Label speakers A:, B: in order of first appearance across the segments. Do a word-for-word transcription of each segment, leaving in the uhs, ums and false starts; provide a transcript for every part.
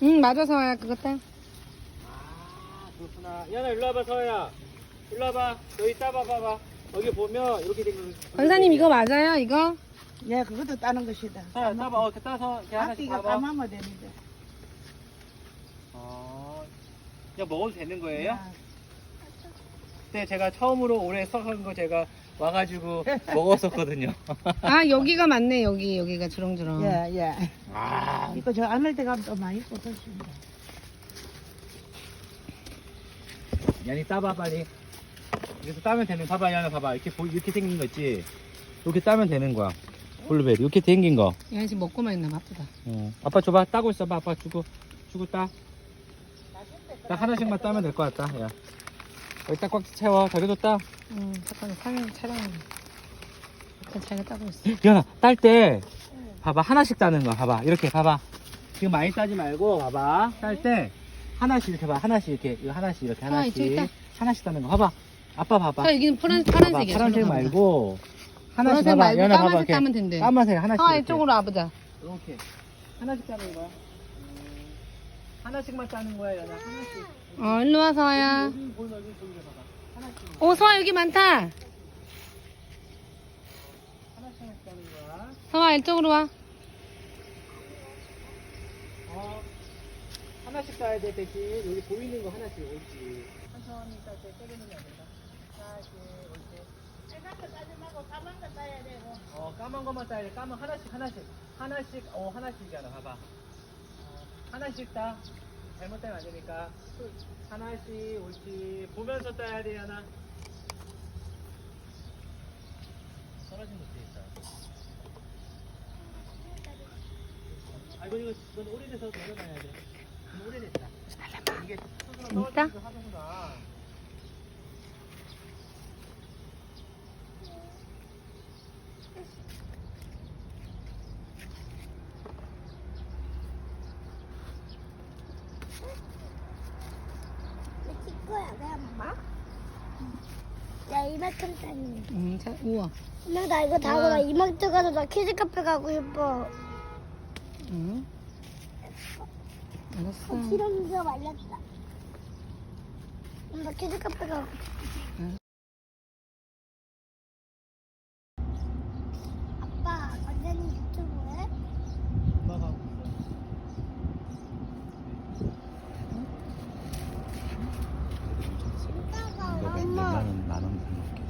A: 응, 맞아, 서아야. 그거 따.
B: 아, 그렇구나. 야나 일로 와봐, 서야. 일로 와봐. 여기 따봐봐봐. 여기 보면 이렇게 된 거.
A: 권사님, 이거 맞아요, 이거?
C: 예, 그것도 따는 것이다.
B: 서야, 따봐. 어, 이렇게 따서 이렇게 하나씩
C: 앞뒤가
B: 봐봐.
C: 까마면 되는데.
B: 어, 그냥 먹어도 되는 거예요?
C: 야,
B: 그때 제가 처음으로 올해 썩은 거 제가 와가지고 먹었었거든요.
A: 아, 여기가 맞네, 여기. 여기가 주렁주렁.
C: 예, 예.
B: 아,
C: 이거 저 안을 때 가면 또 많이 꽂아줍니다.
B: 야니 따봐 빨리. 이래서 따면 되는. 봐봐, 야나 봐봐. 이렇게 보, 이렇게 생긴 거 있지. 이렇게 따면 되는 거야. 블루베리 이렇게 생긴 거.
A: 야, 지금 먹고만 있나 봐, 아프다.
B: 어. 아빠 줘봐. 따고 있어봐. 아빠 주고 주고 따. 딱 하나씩만 따면 될 것 같다. 야. 여기 딱 꽉 채워. 자기도 따.
A: 응, 잠깐만, 촬영, 촬영하네. 일단 자기가 따고 있어.
B: 연아, 딸 때 봐봐. 하나씩 따는 거 봐봐. 이렇게 봐봐. 지금 많이 따지 말고 봐봐. 딸 때 하나씩 이렇게 봐. 하나씩 이렇게 이거 하나씩 이렇게
A: 아,
B: 하나씩
A: 저기 있다.
B: 하나씩 따는 거 봐봐. 아빠 봐봐.
A: 아, 여기는 파란,
B: 봐봐.
A: 파란색이야.
B: 파란색
A: 저로 가보자.
B: 말고 하나씩
A: 파란색
B: 봐봐.
A: 말고
B: 연아 봐봐.
A: 까만색
B: 이렇게.
A: 따면 된대.
B: 까만색 하나씩.
A: 서아,
B: 이렇게.
A: 이쪽으로 와보자.
B: 이렇게 하나씩 따는 거야. 음. 하나씩만 따는 거야, 연아. 하나씩.
A: 어, 일로 와, 서아야.
B: 여기 보이면 여기 보이게 봐봐. 하나씩.
A: 오, 서아, 여기 많다.
B: 하나씩 하나씩 따는 거야.
A: 서아, 이쪽으로 와.
B: 어, 하나씩 따야 돼, 대신. 여기 보이는 거 하나씩, 옳지. 천천히 딸때 때리는 게 아니라. 하나씩, 옳지. 어, 까만 것만 따야 돼. 까만 하나씩, 하나씩. 하나씩, 어, 하나씩이야, 나 봐봐. 어, 하나씩 따. 잘못 따면 안 되니까. 하나씩, 옳지. 보면서 따야 돼, 하나. 떨어진 것도 있다. 아, 이거, 이거, 이건 오래돼서 내려놔야 돼. 이거 오래됐다. 이게 스스로
A: 있다?
B: 떨어지기도 하는구나.
D: 거야, 내 엄마? 야, 이만큼 다니.
A: 응, 자, 우와.
D: 엄마, 나 이거 다 하고 나 이만큼 가서 나 키즈 카페 가고 싶어.
A: 응. 알았어.
D: 아, 지렁이가 말렸다. 엄마, 키즈 카페 가고 싶어. 아빠, 완전히 유튜브 해?
B: 엄마가 하고 있어.
D: 오빠가
B: 이거 몇-
D: 엄마.
B: 몇만 원, 만 원 넘게.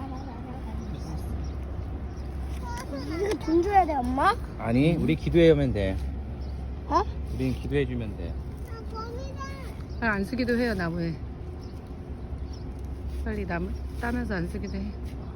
D: 이거 돈 줘야 돼, 엄마?
B: 아니, 우리 기도해오면 돼.
D: 어?
B: 우린 기도해주면 돼.
A: 아, 안 쓰기도 해요, 나무에. 빨리 나무 따면서 안 쓰기도 해.